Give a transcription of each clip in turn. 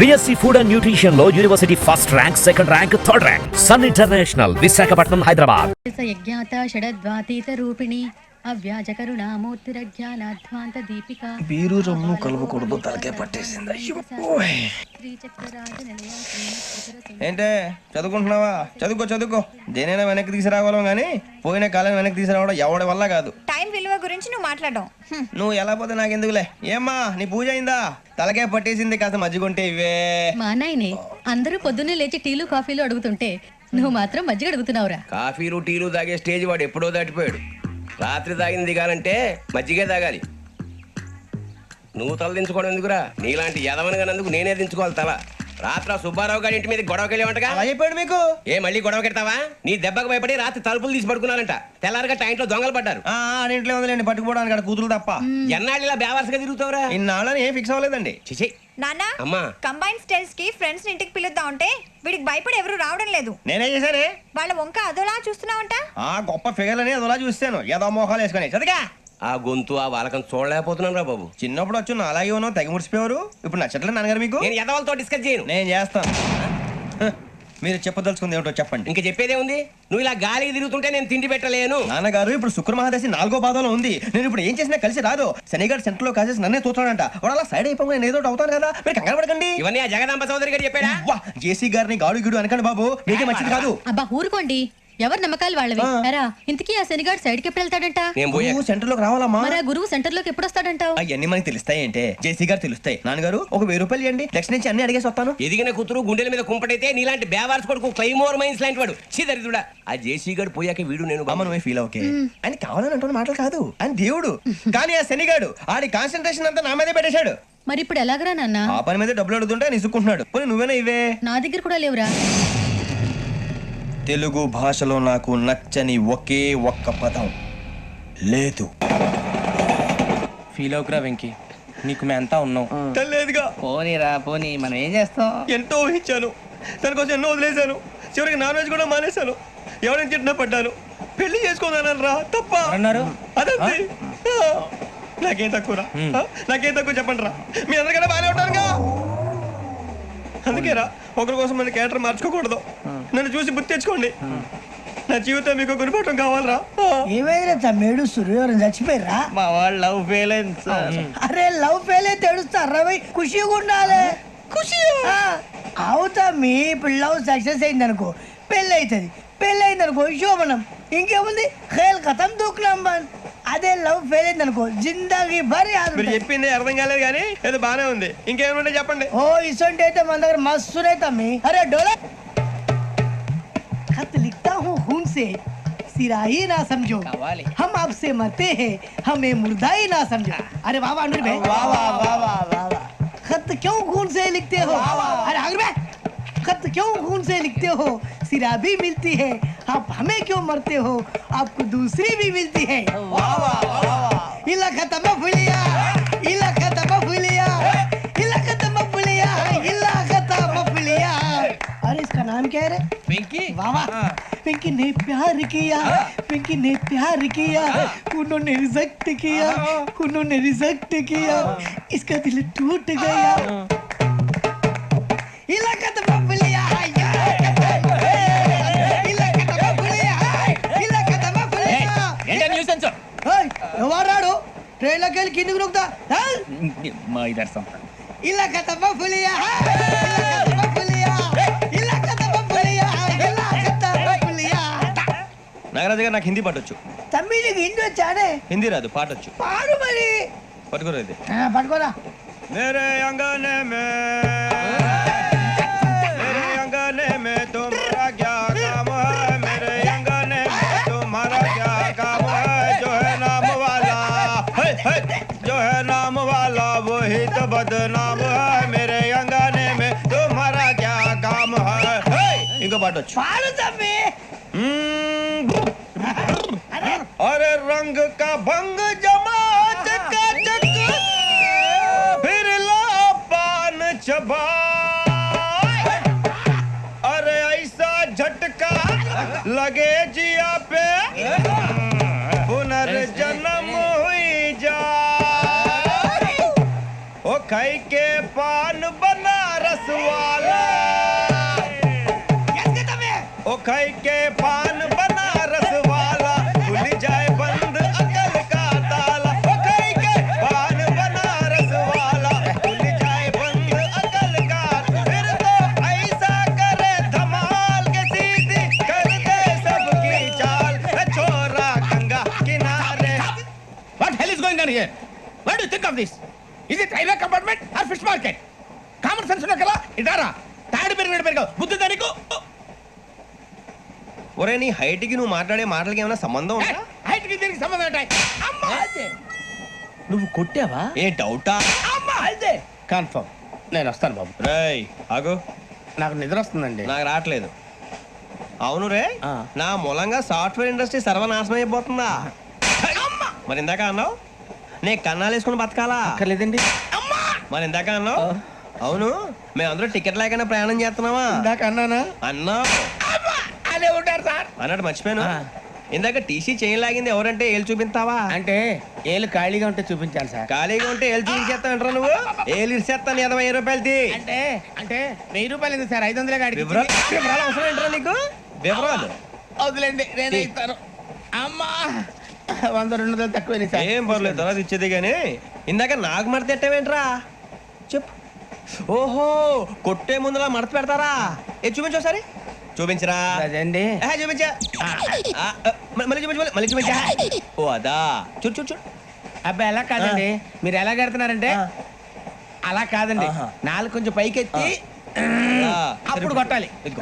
BSc Food and Nutrition లో university first rank, second rank, third rank. Sun international, Visakhapatnam, Hyderabad. యజ్ఞాత షడద్వాతీత రూపిణి అవ్యాజ కరుణామూర్తిరజ్ఞానాధ్వాంత దీపిక. బీరు రమ్ము కలవకూడదు, తలకే పట్టేసింది. ఏంటే చదువుకుంటున్నావా? చదువుకో. దేనైనా వెనక్కి తీసుకురావాలం గానీ పోయిన కాలం వెనక్కి తీసుకురావడం ఎవడి వల్ల కాదు. టైం విలువ గురించి నువ్వు మాట్లాడడం. నువ్వు ఎలా పోతే నాకెందుకులే. ఏమ్మా నీ పూజ అయిందా? తలకే పట్టేసింది, కాస్త మజ్జిగుంటే ఇవే. మా నాయనే అందరూ పొద్దున్నే లేచి టీలు కాఫీలు అడుగుతుంటే నువ్వు మాత్రం మజ్జిగ అడుగుతున్నావురా. కాఫీలు టీలు తాగే స్టేజ్ వాడు ఎప్పుడో దాటిపోయాడు. రాత్రి తాగింది దిగాలంటే మజ్జిగే తాగాలి. నువ్వు తల దించుకోవడం ఎందుకురా? నీలాంటి యదవనగానందుకు నేనే దించుకోవాలి తల. రాత్రి సుబ్బారావు గారి ఇంటి మీద గొడవకి వెళ్ళేవంటగా. అలా చెప్పాడు మీకు? ఏ మళ్ళీ గొడవ కెడతావా? నీ దెబ్బకు భయపడి రాత్రి తలుపులు తీసి పడుకున్నారంట. తెల్లారగా టైంట్లో దొంగలు పడ్డారు. ఇంట్లో ఉందిలేండి, పట్టుకుపోవడానికి అక్కడ కూతురు తప్ప. ఎన్నాళ్ళు ఇలా బేవర్స్గా తిరుగుతావురా? ఇన్నాళ్ళని ఏం ఫిక్స్ అవ్వలేదండి. చిచి నాన్న, అమ్మా, కంబైన్ స్టైల్స్ కి ఫ్రెండ్స్ ఇంటికి పిలుద్దాం అంటే వీడికి భయపడి ఎవరు రావడం లేదు. నేనేం చేశానే? వాళ్ళ వంక అదోలా చూస్తున్నావంట. గొప్ప ఫిగర్ అని అదోలా చూస్తాను. ఏదో మోహాలు వేసుకొని చదిగా. ఆ గొంతు ఆ వాలకం చూడలేకపోతున్నాను రా బాబు. చిన్నప్పుడు వచ్చి నా అలాగే ఉన్నావు, తెగ ముడిచిపోయారు. ఇప్పుడు నచ్చట్లేదు నాన్నగారు మీకు? నేను యదవలతో డిస్కస్ చేయను. నేను చేస్తాను. మీరు చెప్పదలుచుకుంది ఏమిటో చెప్పండి. ఇంకా చెప్పేదే ఉంది. నువ్వు ఇలా గాలికి తిరుగుతుంటే నేను తిండి పెట్టలేను. నాన్నగారు ఇప్పుడు శుక్ర మహాదశి 4వ పాదంలో ఉంది. నేను ఇప్పుడు ఏం చేసినా కలిసి రాదు. శనిగారు సెంటర్ లో కాసేసి నన్నే చూస్తాడంట. వాడు అలా సైడ్ అయిపోయి నేను ఏదో అవుతాను కదా, మీరు కంగారు పడకండి. ఇవన్నీ ఆ జగదాంబ చౌదరి గారు చెప్పాడా? జేసీ గారిని గాడు గిడు అనకండి బాబు, మీకే మంచిది కాదు. అబ్బా ఊరుకోండి, ఎవరు నమ్మకాలు వాళ్ళవి. ఇంతకీ ఆ శనిగాడు సైడ్ కి ఎప్పుడు వెళ్తాడంట? సెంటర్ లోకి రావాలమ్మా. మరి ఆ గురువు సెంటర్ లోకి ఎప్పుడు వస్తాడంటావు? అవన్నీ మనకి తెలుస్తాయి అంటే జేసీ గారు తెలుస్తాయి. నాన్నగారు ఒక 1000 రూపాయలు ఇవ్వండి, నెక్స్ట్ నుంచి అన్ని అడిగేసి వస్తాను. ఎదిగిన కూతురు గుండెల మీద కుంపటైతే నీలాంటి బేవార్స్ కొడుకు క్లైమోర్ మైన్స్ లాంటి వాడు చీదరిదుడా. ఆ జేసీ గారు పోయాక వీడు నేను అమ్మ నువ్వే ఫీల్ ఓకే. ఆయన కావాలని అంటున్న మాటలు కాదు, ఆయన దేవుడు. కానీ ఆ శనిగాడు ఆడి కాన్సన్ట్రేషన్ అంతా నా మీదే పెట్టేశాడు. మరి ఇప్పుడు ఎలాగరా నాన్న? ఆ పని మీద డబ్బులు అడుగుతుంటే నిసుక్కుంటున్నాడు. పోనీ నువ్వేనా ఇవే? నా దగ్గర కూడా లేవురా. తెలుగు భాషలో నాకు నచ్చని ఒకే ఒక్క పదం లేదు. ఫీల్ అవుకురా వెంకీ, నీకు మేమంతా ఉన్నాం. లేదుగా. పోనీరా పోనీ, మనం ఏం చేస్తాం? ఎంతో ఊహించాను, తన కోసం ఎన్నో వదిలేశాను. చివరికి నాన్ వెజ్ కూడా మానేశాను. ఎవరైనా తిట్టినా పడ్డాను. పెళ్లి చేసుకోదానని రా తప్ప అన్నారు. అదంతే. నాకేం తక్కువరా? నాకేం తక్కువ చెప్పండి రా. మీ అందరికన్నా బాగానే ఉంటారుగా. అందుకేరా ఒకరి కోసం మన క్యారెక్టర్ మార్చుకోకూడదు. నన్ను చూసి గుర్తు తెచ్చుకోండి. నా జీవితం మీకు గురిపటం కావాలరా. ఏమైనా తమ్మేడు సూర్యవరం చచ్చిపోయిరా? మా వాళ్ళు లవ్ ఫెయిల్ అయింది సార్. అరే లవ్ ఫెయిల్ అయితే ఏడుస్తారా? ఖుషిగా ఉండాలి. ఖుషి అవుతా. మీ ఇప్పుడు లవ్ సక్సెస్ అయింది అనుకో, పెళ్ళి అవుతుంది. పెళ్ళి అయింది అనుకో శోభనం. ఇంకేముంది, ఖేల్ ఖతం దూకునాం బాన్. అదే లవ్ ఫెయిల్ అయింది అనుకో జిందాగీ భారీ. మీరు చెప్పింది అర్థం కాలేదు కానీ ఏదో బానే ఉంది. ఇంకేమైనా చెప్పండి. ఓ ఇసొంటి అయితే మన దగ్గర మస్తునే తమ్మి. అరే డోలా खत लिखता हूँ खून से, सिरा ही ना समझो, हम आपसे मरते हैं, हमें मुर्दा ही ना समझो. अरे वाह वाह अनुर भाई, वाह वाह वाह वाह वाह. खत क्यों खून से लिखते हो? अरे अनुर भाई, खत क्यों खून से लिखते हो? सिरा भी मिलती है, आप हमें क्यों मरते हो? आपको दूसरी भी मिलती है. वाह वाह वाह. इला खत्म फुलिया, इला खत्म फुलिया, इला खत्म फुलिया, इला खत्म फुलिया. अरे इसका नाम क्या है रे? వెంకీ. वाह वाह. पिंकी ने प्यार किया, पिंकी ने प्यार किया, उन्होंने रिजेक्ट किया, उन्होंने रिजेक्ट किया, इसका दिल टूट गया. इलाका तो बबलिया है, इलाका तो बबलिया है, इलाका तो बबलिया. ఏంటా న్యూసెన్స్? ओए ఎవరాడు ట్రైన్ లోకి వెళ్ళి కిందికి నొక్కుతా? మా ఇదర్సం. ఇలాకా तो बबलिया है, इलाका तो बबलिया, इलाका तो बबलिया, इलाका तो बबलिया. నాగరాజు గారు నాకు హిందీ పాటొచ్చు. తమ్మి నీకు హిందీ వచ్చానే? హిందీ రాదు, పాటొచ్చు. పాడు మరి. పట్టుకోరా ఇది. పట్టుకోరా. मेरे अंगने में, मेरे अंगने में तुम्हारा क्या काम है? मेरे अंगने में तुम्हारा क्या काम है? जो है नाम वाला, जो है नाम वाला वही तो बदनाम है. मेरे अंगने में तुम्हारा क्या काम है? इनको पाटो. పాడు తమ్మి. अरे रंग का भंग जमा चकाचक, फिर ला पान चबा. अरे ऐसा झटका लगे जिया पे, पुनर्जन्म हुई जा. ओ खाई के पान बना रस खाई के पान बनारस वाला खुल जाए बंद अकल का ताला वो खाई के पान बनारस वाला खुल जाए बंद अकल का फिर तो ऐसा करे धमाल के सीधी कर दे सबकी चाल छोरा गंगा किनारे What hell is going on here? What do you think of this? Is it railway compartment or fish market? Common sense ఉన్న కదా ఇదారా తాడి పెరిగాడు బుద్ధి దానికి ఒరే నీ హైట్ కి నువ్వు మాట్లాడే మాటలకి ఏమైనా సంబంధం ఉందా హైట్ కి దీనికి సంబంధం ఉంటాయి అమ్మా అదే నువ్వు కొట్టావా ఏ డౌటా అమ్మా అదే కన్ఫర్మ్ నేను వస్తాను బాబు రేయ్ ఆగు నాకు నిద్ర వస్తుందండి నాకు రావట్లేదు అవును రే ఆ. నా మూలంగా సాఫ్ట్వేర్ ఇండస్ట్రీ సర్వనాశనం అయిపోతుందా మరి ఇందాక అన్నావు నే కన్నాలు వేసుకుని బతకాలా అక్కర్లేదండి మరి ఇందాక అన్నావు అవును మేమందరూ టికెట్ లేకుండా ప్రయాణం చేస్తున్నావా ఇందాక అన్నానా అన్నా అదే ఉంటారు సార్ అన్నట్టు మర్చిపోయాను ఆ. ఇందాక టీసీ చేయి లాగింది ఎవరంటే ఏళ్ళు చూపిస్తావా అంటే ఏళ్ళు ఖాళీగా ఉంటే చూపించాలి సార్ ఖాళీగా ఉంటే ఏళ్ళు చూపించేస్తానంటారా నువ్వు ఏళ్ళు ఇచ్చేస్తాను 20 రూపాయలది అంటే అంటే 1000 రూపాయలు ఎందుకు సార్ 500 కాడికి వివరాలు అవసరం ఏంట్రా నీకు వివరాలు వదిలేండి నేనే ఇస్తాను అమ్మా 100-200 తక్కువ సార్ ఏం పర్లేదు తర్వాత ఇచ్చేది కానీ ఇందాక నాకు మడత ఎట్టవేంట్రా చెప్పు ఓహో కొట్టే ముందులా మడత పెడతారా ఏ చూపించు ఒకసారి చూపించరా అదండి చూపించా మళ్ళీ చూపించు మళ్ళీ చూపించా ఓ అదా చూడు చూడు చూడు అబ్బాయి ఎలా కాదండి మీరు ఎలా కడుతున్నారంటే అలా కాదండి ఆహా. నాలుగు కొంచెం పైకెత్తి అలా. అప్పుడు కొట్టాలి ఇదిగో.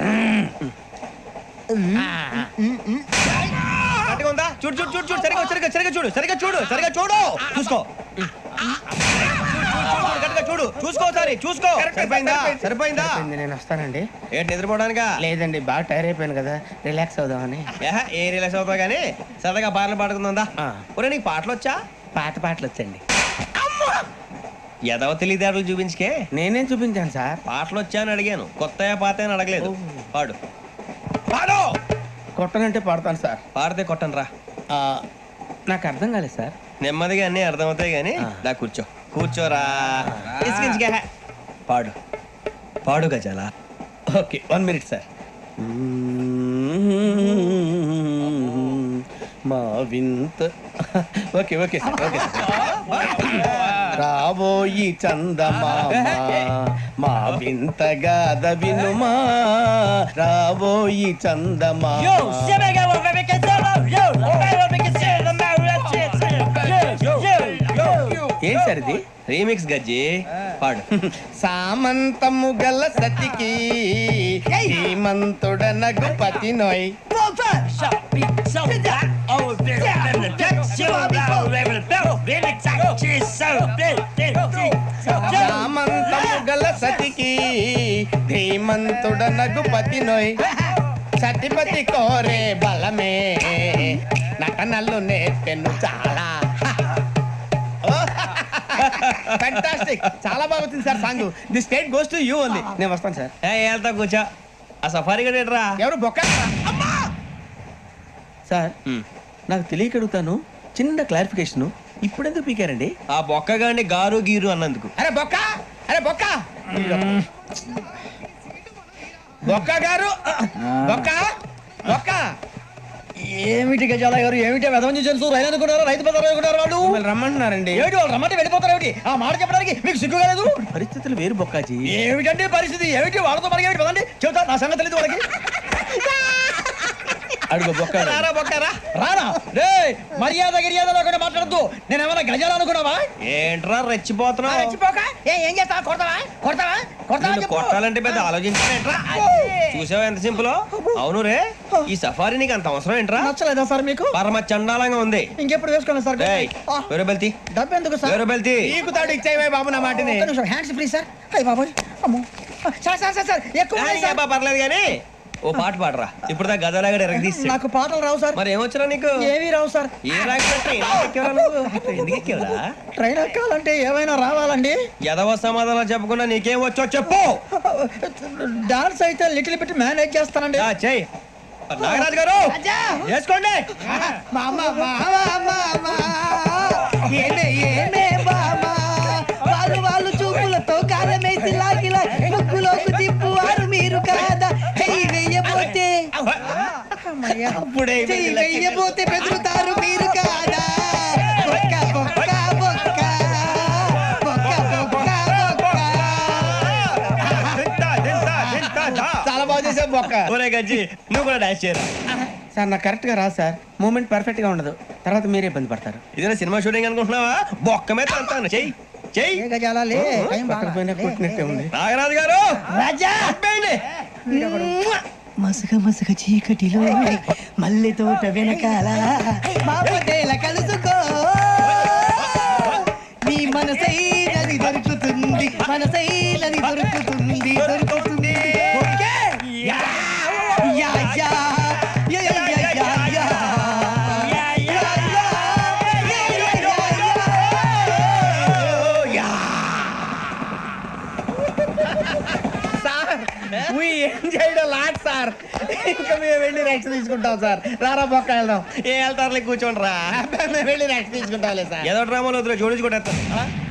ఆ, ఆ. గట్టిగా ఉందా చూడు చూడు చూడు చూడు సరిగా సరిగా సరిగా చూడు సరిగా చూడు సరిగా చూడు చూసుకో గట్టిగా చూడు చూసుకో ఒకసారి చూసుకో సరిపోయిందా సరిపోయిందా అయిపోయింది, నేను వస్తానండి ఏంటి నిద్రపోవడానికా లేదండి బాగా టైర్ అయిపోయాను కదా రిలాక్స్ అవుదామని ఏ రిలాక్స్ అవుతావు కానీ సరదాగా పాటలు పాడుకుందా ఆ. ఒరే నీకు పాటలు వచ్చా పాత పాటలు వచ్చండి ఎదవ తెలివితేటలు చూపించుకే నేనేం చూపించాను సార్ పాటలు వచ్చా అని అడిగాను కొత్త పాత అని అడగలేదు పాడు పాడు కొట్టనంటే పడతాను సార్ పాడితే కొట్టను రా ఆ, నాకు అర్థం కాలేదు సార్ నెమ్మదిగా అన్నీ అర్థమవుతాయి కానీ ఆ. దా కూర్చో కూర్చోరా ఇసుకించుకే పాడు పాడు గజాల ఓకే 1 మినిట్ సార్ మా వింత ఓకే ఓకే సార్ ఓకే రాబోయి చందమామ మా వింత గాథ వినుమా రాబోయి చందమామ ఏం సార్ ఇది రీమిక్స్ గజ్జి పాడు సామంతము గల సతికి హేమంతుడనగు పతి నోయ్ సామంతము గల సతికి ధీమంతుడనగు పతి నోయ్ సతిపతి కోరే బలమే నటనలు నేర్పెను చాలా ఫ్యాంటాస్టిక్ చాలా బాగా వచ్చింది sir song the state goes to you only నేను వస్తాను సార్ వెళ్తా కూర్చో ఆ సఫారీ గడేట్రా ఎవరు బొక్క సార్ నాకు తెలియక అడుగుతాను చిన్న క్లారిఫికేషన్ ఇప్పుడు ఎందుకు పీకారండి ఆ బొక్కగాని గారు గీరు అన్నందుకు అరే బొక్క అరే బొక్క బొక్క గారు బొక్క బొక్క ఏమిటి గజాల గారు ఏమిటి వెదవం చూసారు రైలు అనుకున్నారు రైతు బజార్ అనుకున్నారు వాళ్ళు మిమ్మల్ని రమ్మంటున్నారండి ఏమిటి వాళ్ళు రమ్మంటే వెళ్ళిపోతారు ఏమిటి ఆ మాట చెప్పడానికి మీకు సిగ్గు కాలేదు పరిస్థితులు వేరు బొక్కాజీ ఏమిటంటే పరిస్థితి ఏమిటి వాళ్ళతో మనకి ఏమిటి పదండి చెబుతా నా సంగతి తెలియదు వాళ్ళకి అడుగు బొక్క రారా బొక్కరా రానా రే మర్యాద గిర్యాద లేకుండా మాట్లాడద్దు నేను ఏమైనా గజాలు అనుకున్నావా ఏంట్రా రెచ్చిపోతున్నావు ఏం చేస్తా కొడతావా కొడతావా నిన్ను కొట్టాలంటే పెద్ద ఆలోచించారేంట్రా చూసావా ఎంత సింపుల్ అవును రే ఈ సఫారీ నీకు అంత అవసరం ఏంట్రా నచ్చలేదా సార్ మీకు పరమ చండాలంగా ఉంది ఇంకెప్పుడు వేసుకోండి సార్ ఏయ్, వేరే బెల్తి డబ్బు ఎందుకు సార్ వేరే బెల్తి నీకు తాడు ఇచ్చాయి బాబు నా మాటని హ్యాండ్స్ ఫ్రీ సార్ అయ్యి బాబోయ్ అమ్మో సార్ సార్ సార్ సార్ ఎక్కువ ఉన్నాయి సార్. పర్లేదు కానీ ఓ పాట పాడరా ఇప్పుడు దా గదలాగడ ఎరగదీసి నాకు పాటలు రావు సార్ మరి ఏమొచ్చరా నీకు ఏమీ రావు సార్ ఏ రాకపోతే ఎందుకు ఎక్కేవరా ట్రైన్ ఎక్కాలంటే ఏమైనా రావాలండి ఎదవ సమాధానం చెప్పకుండా నీకేం వచ్చో చెప్పు డాన్స్ అయితే లిటిల్ బిట్ మేనేజ్ చేస్తానండి చెయ్యి నాగరాజు గారు చేసుకోండి మామ ఏమే ఏమే బామా వాళ్ళు వాళ్ళు చూపులతో కాలమేసి లాగిలా ముక్కులోకి తిప్పువారు మీరు కాదా చెయ్యి వెయ్యబోతే అప్పుడే చెయ్యి వెయ్యబోతే బెదురుతారు మీరు కాదా బొక్క బొక్క బొక్క బొక్క బొక్క బొక్క. తింటా, తింటా, తింటా, దా. చాలా బాగా చేసావు బొక్క. ఒరే గజ్జి నువ్వు కూడా డాన్స్ చేయరా. సార్ నాకు కరెక్ట్ గా రాదు సార్, మూమెంట్ పర్ఫెక్ట్ గా ఉండదు, తర్వాత మీరే ఇబ్బంది పడతారు. ఇదేనా సినిమా షూటింగ్ అనుకుంటున్నావా? బొక్క మీద అంటాను. చెయ్యి చెయ్యి. పక్కన పోయినా కొట్టినట్టే ఉంది. నాగరాజు గారు రాజా అబ్బేయండి. మసక మసక చీకటిలో మల్లె తోట వెనకాల బాపతేల కలుసుకో నీ మనసైనది దొరుకుతుంది మనసైనది దొరుకుతుంది దొరుకుతుంది okay? Yeah, yeah, yeah, yeah, yeah, yeah, yeah, yeah. Yeah, yeah, yeah, yeah, yeah, yeah, yeah. Sir we enjoyed a lot, sir. ఇంకా మేము వెళ్ళి రెస్ట్ తీసుకుంటాం సార్. రారా బొక్క వెళ్దాం. ఏ వెళ్తారులే, కూర్చోండి రా. మేము వెళ్ళి రెస్ట్ తీసుకుంటాంలే సార్. ఏదో డ్రామాలో వద్దులే, జోడించుకుంటా.